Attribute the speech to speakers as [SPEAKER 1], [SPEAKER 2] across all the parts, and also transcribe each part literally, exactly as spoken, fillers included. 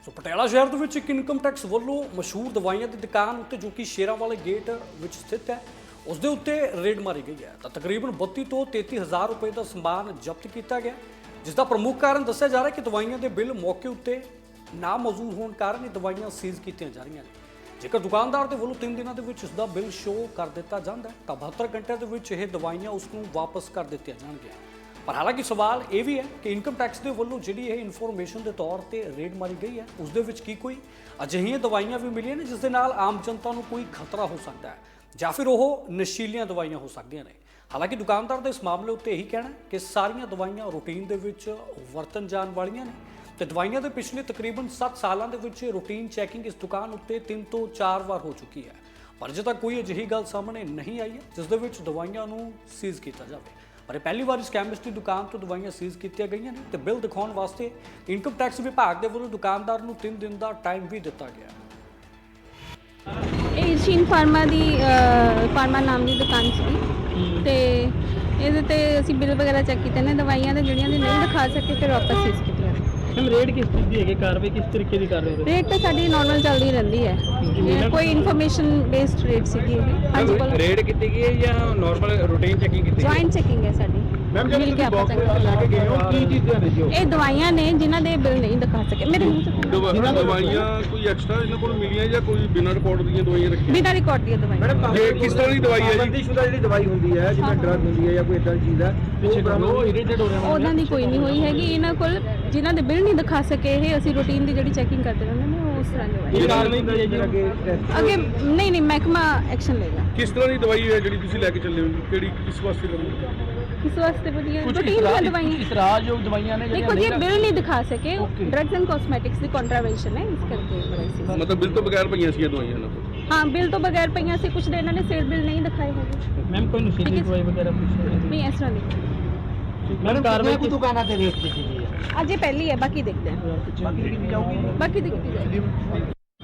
[SPEAKER 1] ਸੋ ਪਟਿਆਲਾ ਸ਼ਹਿਰ ਦੇ ਵਿੱਚ ਇੱਕ ਇਨਕਮ ਟੈਕਸ ਵੱਲੋਂ ਮਸ਼ਹੂਰ ਦਵਾਈਆਂ ਦੀ ਦੁਕਾਨ ਉੱਤੇ ਜੋ ਕਿ ਸ਼ੇਰਾਂ ਵਾਲੇ ਗੇਟ ਵਿੱਚ ਸਥਿਤ ਹੈ ਉਸ ਦੇ ਉੱਤੇ ਰੇਡ ਮਾਰੀ ਗਈ ਹੈ ਤਾਂ ਤਕਰੀਬਨ ਬੱਤੀ ਤੋਂ ਤੇਤੀ ਹਜ਼ਾਰ ਰੁਪਏ ਦਾ ਸਮਾਨ ਜ਼ਬਤ ਕੀਤਾ ਗਿਆ, ਜਿਸ ਦਾ ਪ੍ਰਮੁੱਖ ਕਾਰਨ ਦੱਸਿਆ ਜਾ ਰਿਹਾ ਕਿ ਦਵਾਈਆਂ ਦੇ ਬਿੱਲ ਮੌਕੇ ਉੱਤੇ ਨਾ ਮੌਜੂਦ ਹੋਣ ਕਾਰਨ ਇਹ ਦਵਾਈਆਂ ਸੀਜ਼ ਕੀਤੀਆਂ ਜਾ ਰਹੀਆਂ ਨੇ। ਜੇਕਰ ਦੁਕਾਨਦਾਰ ਦੇ ਵੱਲੋਂ ਤਿੰਨ ਦਿਨਾਂ ਦੇ ਵਿੱਚ ਇਸ ਦਾ ਬਿੱਲ ਸ਼ੋਅ ਕਰ ਦਿੱਤਾ ਜਾਂਦਾ ਤਾਂ ਬਹੱਤਰ ਘੰਟਿਆਂ ਦੇ ਵਿੱਚ ਇਹ ਦਵਾਈਆਂ ਉਸ ਨੂੰ ਵਾਪਸ ਕਰ ਦਿੱਤੀਆਂ ਜਾਣਗੀਆਂ। ਪਰ ਹਾਲਾਂਕਿ ਸਵਾਲ ਇਹ ਵੀ ਹੈ ਕਿ ਇਨਕਮ ਟੈਕਸ ਦੇ ਵੱਲੋਂ ਜਿਹੜੀ ਇਹ ਇਨਫੋਰਮੇਸ਼ਨ ਦੇ ਤੌਰ ਤੇ ਰੇਡ ਮਾਰੀ ਗਈ ਹੈ ਉਸ ਦੇ ਵਿੱਚ ਕੀ ਕੋਈ ਅਜਿਹੀਆਂ ਦਵਾਈਆਂ ਵੀ ਮਿਲੀਆਂ ਨੇ ਜਿਸ ਦੇ ਨਾਲ ਆਮ ਜਨਤਾ ਨੂੰ ਕੋਈ ਖਤਰਾ ਹੋ ਸਕਦਾ ਹੈ ਜਾਂ ਫਿਰ ਉਹ ਨਸ਼ੀਲੀਆਂ ਦਵਾਈਆਂ ਹੋ ਸਕਦੀਆਂ ਨੇ। ਹਾਲਾਂਕਿ ਦੁਕਾਨਦਾਰ ਦਾ ਇਸ ਮਾਮਲੇ ਉੱਤੇ ਇਹੀ ਕਹਿਣਾ ਕਿ ਸਾਰੀਆਂ ਦਵਾਈਆਂ ਰੂਟੀਨ ਦੇ ਵਿੱਚ ਵਰਤਨ ਜਾਣ ਵਾਲੀਆਂ ਨੇ ਤੇ ਦਵਾਈਆਂ ਦੇ ਪਿਛਲੇ ਤਕਰੀਬਨ ਸੱਤ ਸਾਲਾਂ ਦੇ ਵਿੱਚ ਰੂਟੀਨ ਚੈਕਿੰਗ ਇਸ ਦੁਕਾਨ ਉੱਤੇ ਤਿੰਨ ਤੋਂ ਚਾਰ ਵਾਰ ਹੋ ਚੁੱਕੀ ਹੈ, ਪਰ ਅਜੇ ਤੱਕ ਕੋਈ ਅਜਿਹੀ ਗੱਲ ਸਾਹਮਣੇ ਨਹੀਂ ਆਈ ਹੈ ਜਿਸ ਦੇ ਵਿੱਚ ਦਵਾਈਆਂ ਨੂੰ ਸੀਜ਼ ਕੀਤਾ ਜਾਵੇ। ਪਰ ਇਹ ਪਹਿਲੀ ਵਾਰ ਇਸ ਕੈਮਿਸਟ ਦੀ ਦੁਕਾਨ ਤੋਂ ਦਵਾਈਆਂ ਸੀਜ਼ ਕੀਤੀਆਂ ਗਈਆਂ ਨੇ ਤੇ ਬਿੱਲ ਦਿਖਾਉਣ ਵਾਸਤੇ ਇਨਕਮ ਟੈਕਸ ਵਿਭਾਗ ਦੇ ਵੱਲੋਂ ਦੁਕਾਨਦਾਰ ਨੂੰ ਤਿੰਨ ਦਿਨ ਦਾ ਟਾਈਮ ਵੀ ਦਿੱਤਾ ਗਿਆ।
[SPEAKER 2] ਇਹ ਸ਼ੀਨ ਫਾਰਮਾ ਦੀ ਫਾਰਮਾ ਨਾਮ ਦੀ ਦੁਕਾਨ ਸੀ ਤੇ ਇਹਦੇ ਤੇ ਅਸੀਂ ਬਿੱਲ ਵਗੈਰਾ ਚੈੱਕ ਕੀਤੇ ਨੇ ਦਵਾਈਆਂ ਦੇ ਜਿਹੜੀਆਂ ਦੀ ਨਹੀਂ ਦਿਖਾ ਸਕੇ ਫਿਰ ਵਾਪਸ ਸੀਜ਼ ਕੀਤੀਆਂ।
[SPEAKER 3] ਮੈਮ ਰੇਟ ਕਿਸ ਚੀਜ਼ ਦੀ ਹੈਗੀ, ਕਾਰਵਾਈ ਕਿਸ ਤਰੀਕੇ ਦੀ ਕਰ ਰਹੇ ਹੋ?
[SPEAKER 2] ਰੇਟ ਤਾਂ ਸਾਡੀ ਨਾਰਮਲ ਚੱਲਦੀ ਰਹਿੰਦੀ ਹੈ, ਇਹ ਕੋਈ ਇਨਫੋਰਮੇਸ਼ਨ ਬੇਸਡ ਰੇਟ ਸੀਗੀ ਇਹ। ਹਾਂਜੀ ਬੋਲੋ।
[SPEAKER 3] ਰੇਟ ਕੀਤੀ ਗਈ ਹੈ ਜਾਂ ਨਾਰਮਲ ਰੂਟੀਨ ਚੈਕਿੰਗ ਕੀਤੀ ਗਈ?
[SPEAKER 2] ਜੁਆਇੰਟ ਚੈਕਿੰਗ ਹੈ ਸਾਡੀ।
[SPEAKER 3] ਮੈਮ ਜਦੋਂ ਤੁਸੀਂ ਬਾਕਸ ਲੈ ਕੇ ਗਏ ਹੋ ਕੀ ਚੀਜ਼ਾਂ ਨੇ ਜੀ?
[SPEAKER 2] ਇਹ ਦਵਾਈਆਂ ਨੇ ਜਿਨ੍ਹਾਂ ਦੇ ਬਿੱਲ ਨਹੀਂ ਦਿਖਾ ਸਕੇ। ਮੇਰੇ ਮੂੰਹ ਤੋਂ
[SPEAKER 4] ਦਵਾਈਆਂ ਕੋਈ ਐਕਸਟਰਾ ਇਹਨਾਂ ਕੋਲ ਮਿਲੀਆਂ ਜਾਂ ਕੋਈ ਬਿਨਾਂ ਰਿਕਾਰਡ ਦੀਆਂ ਦਵਾਈਆਂ ਰੱਖੀਆਂ?
[SPEAKER 2] ਬਿਨਾਂ ਰਿਕਾਰਡ ਦੀਆਂ ਦਵਾਈਆਂ।
[SPEAKER 4] ਇਹ ਕਿਸ ਤਰ੍ਹਾਂ ਦੀ ਦਵਾਈ ਹੈ ਜੀ?
[SPEAKER 3] ਬੰਦੀਸ਼ੁਦਾ ਜਿਹੜੀ ਦਵਾਈ ਹੁੰਦੀ ਹੈ ਜਿਵੇਂ ਡਰਗ ਹੁੰਦੀ ਹੈ ਜਾਂ ਕੋਈ ਇਦਾਂ ਦੀ ਚੀਜ਼ ਹੈ ਉਹ ਇਰੀਟੇਟ ਹੋ ਰਿਹਾ।
[SPEAKER 2] ਉਹਨਾਂ ਦੀ ਕੋਈ ਨਹੀਂ ਹੋਈ ਹੈਗੀ। ਇਹਨਾਂ ਕੋਲ ਜਿਨ੍ਹਾਂ ਦੇ ਬਿੱਲ ਨਹੀਂ ਦਿਖਾ ਸਕੇ ਇਹ ਅਸੀਂ ਰੂਟੀਨ ਦੀ ਜਿਹੜੀ ਚੈਕਿੰਗ ਕਰਦੇ ਰਹਿੰਦੇ ਨੇ ਉਹ ਉਸ ਤਰ੍ਹਾਂ ਦਵਾਈ
[SPEAKER 3] ਇਹ ਕਾਰਵਾਈ ਕੀ ਹੈ ਜੀ ਅੱਗੇ?
[SPEAKER 2] ਅੱਗੇ ਨਹੀਂ ਨਹੀਂ ਮਹਿਕਮਾ ਐਕਸ਼ਨ ਲਏਗਾ।
[SPEAKER 4] ਕਿਸ ਤਰ੍ਹਾਂ ਦੀ ਦਵਾਈ ਹੈ ਜਿਹੜੀ ਤੁਸੀਂ ਲੈ ਕੇ ਚੱਲੇ ਹੋ? ਕਿਹੜੀ ਕਿਸ ਵਾਸਤੇ ਲੈਣੀ?
[SPEAKER 2] ਕਿਸ ਵਾਸਤੇ ਵਧੀਆ
[SPEAKER 3] ਕੁਝ
[SPEAKER 2] ਰੂਟੀਨ ਦੀਆਂ ਦਵਾਈਆਂ
[SPEAKER 3] ਇਸਰਾਜਯੋਗ ਦਵਾਈਆਂ ਨੇ
[SPEAKER 2] ਦੇਖੋ ਜੀ ਬਿੱਲ ਨਹੀਂ ਦਿਖਾ ਸਕੇ, ਡਰੱਗਸ ਐਂਡ ਕਾਸਮੈਟਿਕਸ ਦੀ ਕੰਟਰਾਵੈਂਸ਼ਨ ਹੈ ਇਸ ਕਰਕੇ ਦਵਾਈ ਸੀ।
[SPEAKER 4] ਮਤਲਬ ਬਿੱਲ ਤੋਂ ਬਗੈਰ ਪਈਆਂ ਸੀ ਇਹ ਦਵਾਈਆਂ ਇਹਨਾਂ ਕੋਲ?
[SPEAKER 2] ਹਾਂ ਬਿੱਲ ਤੋਂ ਬਗੈਰ ਪਈਆਂ ਸੀ, ਕੁਝ ਦੇ ਇਹਨਾਂ ਨੇ ਸੇਲ ਬਿੱਲ ਨਹੀਂ ਦਿਖਾਏ ਹੈਗੇ।
[SPEAKER 3] ਮੈਮ ਕੋਈ ਨਸ਼ੀਲੀ ਦਵਾਈ ਵਗੈਰਾ ਕੁਝ
[SPEAKER 2] ਨਹੀਂ ਇਸ ਤਰ੍ਹਾਂ ਨਹੀਂ।
[SPEAKER 3] ਮੈਮ ਕਾਰਵਾਈ ਕੀ ਦੁਕਾਨਾਂ ਤੇ ਰੇਟ ਕੀਤੀ ਗਈ ਹੈ?
[SPEAKER 2] ਅੱਜ ਇਹ ਪਹਿਲੀ ਹੈ, ਬਾਕੀ ਦੇਖਦੇ ਹਾਂ।
[SPEAKER 3] ਬਾਕੀ ਦੀ ਕੀਤੀ ਜਾਊਗੀ?
[SPEAKER 2] ਬਾਕੀ ਦੀ ਕੀਤੀ ਜਾਏਗੀ।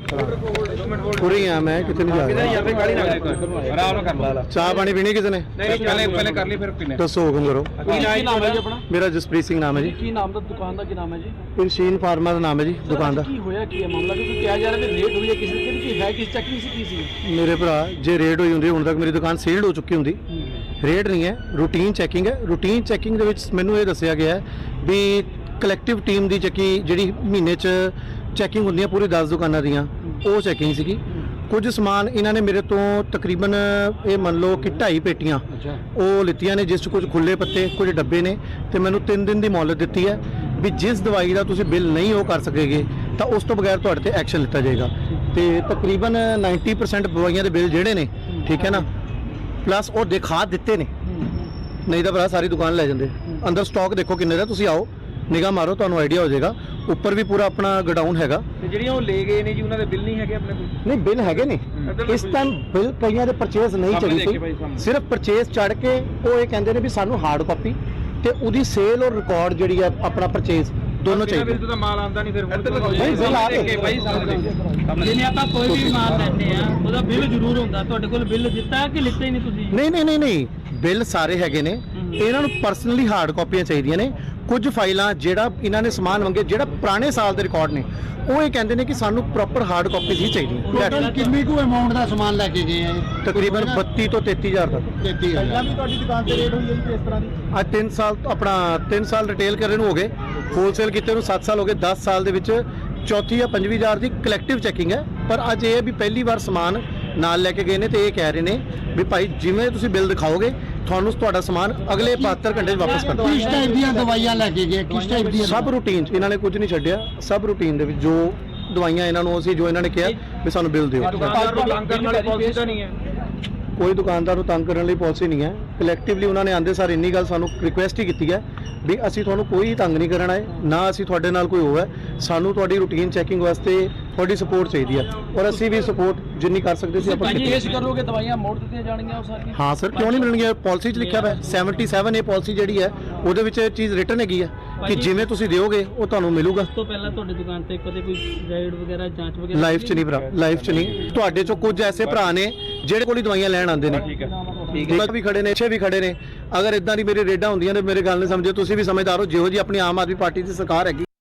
[SPEAKER 5] पूरी यहाँ मैं कितने नहीं जा
[SPEAKER 3] ਕਿਧਰ
[SPEAKER 5] रहा।
[SPEAKER 3] ਜਾਂ ਫੇ ਕਾਲੀ ਨਾ ਆਰਾਮ ਨਾਲ ਕਰ ਲਾ।
[SPEAKER 5] चाय पानी पीनी कितने?
[SPEAKER 3] ਨਹੀਂ ਪਹਿਲੇ ਪਹਿਲੇ ਕਰ ਲਈ ਫਿਰ ਪੀਨੇ।
[SPEAKER 5] दसो हुक्म करो।
[SPEAKER 3] ਕੀ ਨਾਮ ਹੈ ਜੀ ਆਪਣਾ?
[SPEAKER 5] मेरा जसप्रीत सिंह नाम है जी।
[SPEAKER 3] ਕੀ ਨਾਮ ਦਾ ਦੁਕਾਨ ਦਾ ਕੀ ਨਾਮ ਹੈ ਜੀ?
[SPEAKER 5] इरशीन फार्मा का नाम है जी दुकान का।
[SPEAKER 3] ਕੀ ਹੋਇਆ ਕੀ ਹੈ ਮਾਮਲਾ? ਕਿਉਂਕਿ ਕਿਹਾ ਜਾ ਰਿਹਾ ਕਿ ਰੇਟ ਹੋਈ ਹੈ ਕਿਸੇ ਦੀ ਕੀ ਹੈ ਕਿ ਚੈਕਿੰਗ ਸੀ ਕੀ ਸੀ?
[SPEAKER 5] मेरे भरा जे रेड हुई होंगी हुण तक मेरी दुकान सील्ड हो चुकी होंगी। रेड नहीं है, रूटीन चैकिंग है। रूटीन चैकिंग ਦੇ ਵਿੱਚ ਮੈਨੂੰ ਇਹ ਦੱਸਿਆ ਗਿਆ ਹੈ ਵੀ ਕਲੈਕਟਿਵ ਟੀਮ ਦੀ ਚੱਕੀ ਜਿਹੜੀ ਮਹੀਨੇ 'ਚ ਚੈਕਿੰਗ ਹੁੰਦੀਆਂ ਪੂਰੀ ਦਸ ਦੁਕਾਨਾਂ ਦੀਆਂ ਉਹ ਚੈਕਿੰਗ ਸੀਗੀ। ਕੁਝ ਸਮਾਨ ਇਹਨਾਂ ਨੇ ਮੇਰੇ ਤੋਂ ਤਕਰੀਬਨ ਇਹ ਮੰਨ ਲਓ ਕਿ ਢਾਈ ਪੇਟੀਆਂ ਉਹ ਲਿੱਤੀਆਂ ਨੇ ਜਿਸ 'ਚ ਕੁਝ ਖੁੱਲੇ ਪੱਤੇ ਕੁਝ ਡੱਬੇ ਨੇ ਤੇ ਮੈਨੂੰ ਤਿੰਨ ਦਿਨ ਦੀ ਮੌਲਤ ਦਿੱਤੀ ਹੈ ਵੀ ਜਿਸ ਦਵਾਈ ਦਾ ਤੁਸੀਂ ਬਿੱਲ ਨਹੀਂ ਉਹ ਕਰ ਸਕੇਗੇ ਤਾਂ ਉਸ ਤੋਂ ਬਗੈਰ ਤੁਹਾਡੇ ਤੇ ਐਕਸ਼ਨ ਲਿੱਤਾ ਜਾਏਗਾ। ਤੇ ਤਕਰੀਬਨ ਨੱਬੇ ਪਰਸੈਂਟ ਦਵਾਈਆਂ ਦੇ ਬਿੱਲ ਜਿਹੜੇ ਨੇ ਠੀਕ ਹੈ ਨਾ ਪਲੱਸ ਉਹ ਦਿਖਾ ਦਿੱਤੇ ਨੇ, ਨਹੀਂ ਤਾਂ ਭਰਾ ਸਾਰੀ ਦੁਕਾਨ ਲੈ ਜਾਂਦੇ। ਅੰਦਰ ਸਟਾਕ ਦੇਖੋ ਕਿੰਨੇ ਦਾ, ਤੁਸੀਂ ਆਓ ਨਿਗਾਹ ਮਾਰੋ ਤੁਹਾਨੂੰ ਆਈਡੀਆ ਹੋ ਜਾਏਗਾ। ਉੱਪਰ ਵੀ ਪੂਰਾ ਆਪਣਾ ਗੋਡਾਊਨ ਹੈਗਾ।
[SPEAKER 3] ਤੇ ਜਿਹੜੀਆਂ ਉਹ ਲੈ ਗਏ ਨੇ ਜੀ ਉਹਨਾਂ ਦੇ ਬਿੱਲ ਨਹੀਂ ਹੈਗੇ ਆਪਣੇ ਕੋਲ?
[SPEAKER 5] ਨਹੀਂ ਬਿੱਲ ਹੈਗੇ ਨੇ ਇਸ ਟਾਈਮ ਬਿੱਲ ਕਈਆਂ ਦੇ ਪਰਚੇਸ ਨਹੀਂ ਚੜੀ ਸੀ, ਸਿਰਫ ਪਰਚੇਸ ਚੜ ਕੇ ਉਹ ਇਹ ਕਹਿੰਦੇ ਨੇ ਵੀ ਸਾਨੂੰ ਹਾਰਡ ਕਾਪੀ ਤੇ ਉਹਦੀ ਸੇਲ ਔਰ ਰਿਕਾਰਡ ਜਿਹੜੀ ਆ ਆਪਣਾ ਪਰਚੇਸ ਦੋਨੋਂ ਚਾਹੀਦੇ।
[SPEAKER 3] ਬਿੱਲ ਤੋਂ ਤਾਂ ਮਾਲ ਆਉਂਦਾ ਨਹੀਂ ਫਿਰ
[SPEAKER 5] ਨਹੀਂ ਬਿੱਲ ਆ
[SPEAKER 3] ਕੇ ਭਾਈ ਸਾਹਮਣੇ ਜਿਵੇਂ ਆਪਾਂ ਕੋਈ ਵੀ ਮਾਲ ਲੈਂਦੇ ਆ ਉਹਦਾ ਬਿੱਲ ਜ਼ਰੂਰ ਹੁੰਦਾ। ਤੁਹਾਡੇ ਕੋਲ ਬਿੱਲ ਦਿੱਤਾ ਕਿ ਲਿੱਤਾ ਹੀ ਨਹੀਂ ਤੁਸੀਂ?
[SPEAKER 5] ਨਹੀਂ ਨਹੀਂ ਨਹੀਂ ਨਹੀਂ ਬਿੱਲ ਸਾਰੇ ਹੈਗੇ ਨੇ। ਇਹਨਾਂ ਨੂੰ ਪਰਸਨਲੀ ਹਾਰਡ ਕਾਪੀਆਂ ਚਾਹੀਦੀਆਂ ਨੇ। ਕੁਝ ਫਾਈਲਾਂ ਜਿਹੜਾ ਇਹਨਾਂ ਨੇ ਸਮਾਨ ਮੰਗੇ ਜਿਹੜਾ ਪੁਰਾਣੇ ਸਾਲ ਦੇ ਰਿਕਾਰਡ ਨੇ ਉਹ ਇਹ ਕਹਿੰਦੇ ਨੇ ਕਿ ਸਾਨੂੰ ਪ੍ਰੋਪਰ ਹਾਰਡ ਕਾਪੀਜ਼ ਹੀ ਚਾਹੀਦੀਆਂ।
[SPEAKER 6] ਕਿੰਨੀ ਕੁ ਅਮਾਉਂਟ ਦਾ ਸਮਾਨ ਲੈ ਕੇ ਗਏ ਆ?
[SPEAKER 5] ਤਕਰੀਬਨ ਬੱਤੀ ਤੋਂ ਤੇਤੀ ਹਜ਼ਾਰ ਤੱਕ।
[SPEAKER 6] ਤੇਤੀ
[SPEAKER 3] ਪਹਿਲਾਂ ਵੀ ਤੁਹਾਡੀ ਦੁਕਾਨ ਤੇ ਰੇਟ ਹੋਈ ਹੈ ਜੀ ਇਸ ਤਰ੍ਹਾਂ ਦੀ?
[SPEAKER 5] ਅੱਜ ਤਿੰਨ ਸਾਲ ਆਪਣਾ ਤਿੰਨ ਸਾਲ ਰਿਟੇਲ ਕਰਨ ਨੂੰ ਹੋ ਗਏ, ਹੋਲਸੇਲ ਕੀਤੇ ਨੂੰ ਸੱਤ ਸਾਲ ਹੋ ਗਏ। ਦਸ ਸਾਲ ਦੇ ਵਿੱਚ ਚੌਥੀ ਜਾਂ ਪੰਜਵੀਂ ਹਜ਼ਾਰ ਦੀ ਕਲੈਕਟਿਵ ਚੈਕਿੰਗ ਹੈ। ਪਰ ਅੱਜ ਇਹ ਵੀ ਪਹਿਲੀ ਵਾਰ ਸਮਾਨ ਨਾਲ ਲੈ ਕੇ ਗਏ ਨੇ ਤੇ ਇਹ ਕਹਿ ਰਹੇ ਨੇ ਵੀ ਭਾਈ ਜਿਵੇਂ ਤੁਸੀਂ ਬਿੱਲ ਦਿਖਾਓਗੇ ਤੁਹਾਨੂੰ ਤੁਹਾਡਾ ਸਮਾਨ ਅਗਲੇ ਬਹੱਤਰ ਘੰਟੇ 'ਚ ਵਾਪਸ ਕਰ
[SPEAKER 6] ਕਿਸ ਟਾਈਪ ਦੀਆਂ ਦਵਾਈਆਂ ਲੈ ਕੇ ਗਏ? ਕਿਸ ਟਾਈਪ ਦੀਆਂ?
[SPEAKER 5] ਸਭ ਰੂਟੀਨ 'ਚ ਇਹਨਾਂ ਨੇ ਕੁਝ ਨਹੀਂ ਛੱਡਿਆ। ਸਭ ਰੂਟੀਨ ਦੇ ਵਿੱਚ ਜੋ ਦਵਾਈਆਂ ਇਹਨਾਂ ਨੂੰ ਅਸੀਂ ਜੋ ਇਹਨਾਂ ਨੇ ਕਿਹਾ ਵੀ ਸਾਨੂੰ ਬਿੱਲ ਦਿਓ।
[SPEAKER 3] ਦੁਕਾਨਦਾਰ ਨੂੰ ਤੰਗ ਕਰਨ ਵਾਲੀ ਪਾਲਿਸੀ ਤਾਂ ਨਹੀਂ ਹੈ?
[SPEAKER 5] ਕੋਈ ਦੁਕਾਨਦਾਰ ਨੂੰ ਤੰਗ ਕਰਨ ਲਈ ਪਾਲਿਸੀ ਨਹੀਂ ਹੈ। ਕਲੈਕਟਿਵਲੀ ਉਹਨਾਂ ਨੇ ਆਂਦੇ ਸਾਰ ਇੰਨੀ ਗੱਲ ਸਾਨੂੰ ਰਿਕੁਐਸਟ ਹੀ ਕੀਤੀ ਹੈ ਵੀ ਅਸੀਂ ਤੁਹਾਨੂੰ ਕੋਈ ਤੰਗ ਨਹੀਂ ਕਰਨਾ ਹੈ, ਨਾ ਅਸੀਂ ਤੁਹਾਡੇ ਨਾਲ ਕੋਈ ਹੋਇਆ। ਸਾਨੂੰ ਤੁਹਾਡੀ ਰੂਟੀਨ ਚੈਕਿੰਗ ਵਾਸਤੇ ਤੁਹਾਡੀ ਸਪੋਰਟ ਚਾਹੀਦੀ ਹੈ ਔਰ ਅਸੀਂ ਵੀ ਸਪੋਰਟ ਜਿੰਨੀ ਕਰ ਸਕਦੇ ਸੀ ਆਪਾਂ ਕੀਤੀ।
[SPEAKER 3] ਕੇਸ ਕਰੋਗੇ ਦਵਾਈਆਂ ਮੋੜ ਦਿੱਤੀਆਂ ਜਾਣਗੀਆਂ ਉਹ ਸਾਰੀਆਂ?
[SPEAKER 5] ਹਾਂ ਸਰ ਕਿਉਂ ਨਹੀਂ ਮਿਲਣਗੀਆਂ? ਪਾਲਿਸੀ 'ਚ ਲਿਖਿਆ ਹੋਇਆ ਸੱਤਰ ਏ ਪਾਲਿਸੀ ਜਿਹੜੀ ਹੈ ਉਹਦੇ ਵਿੱਚ ਇਹ ਚੀਜ਼ ਰਿਟਨ ਹੈਗੀ ਹੈ ਕਿ ਜਿਵੇਂ ਤੁਸੀਂ ਦਿਓਗੇ ਉਹ ਤੁਹਾਨੂੰ ਮਿਲੂਗਾ।
[SPEAKER 3] ਉਸ ਤੋਂ ਪਹਿਲਾਂ ਤੁਹਾਡੀ ਦੁਕਾਨ ਤੇ ਕਦੇ ਕੋਈ ਰਾਈਡ ਵਗੈਰਾ ਜਾਂਚ ਵਗੈਰਾ
[SPEAKER 5] ਲਾਈਫ 'ਚ ਨਹੀਂ ਭਰਾ, ਲਾਈਫ 'ਚ ਨਹੀਂ। ਤੁਹਾਡੇ 'ਚੋਂ ਕੁਝ ਐਸੇ ਭਰਾ ਨੇ ਜਿਹੜੇ ਕੋਲ ਹੀ ਦਵਾਈਆਂ ਲੈਣ ਆਉਂਦੇ ਨੇ।
[SPEAKER 3] ਠੀਕ ਹੈ
[SPEAKER 5] ਵੀ ਖੜੇ ਨੇ, ਅੱਛੇ ਵੀ ਖੜੇ ਨੇ। ਅਗਰ ਇਦਾਂ ਦੀ ਮੇਰੀ ਰੇਡਾਂ ਹੁੰਦੀਆਂ ਨੇ ਮੇਰੇ ਗੱਲ ਨਹੀਂ ਸਮਝੇ ਤੁਸੀਂ ਵੀ ਸਮਝਦਾਰ ਹੋ। ਜਿਹੋ ਜੀ ਆਪਣੀ ਆਮ ਆਦਮੀ ਪਾਰਟੀ ਦੀ ਸਰਕਾਰ ਹੈਗੀ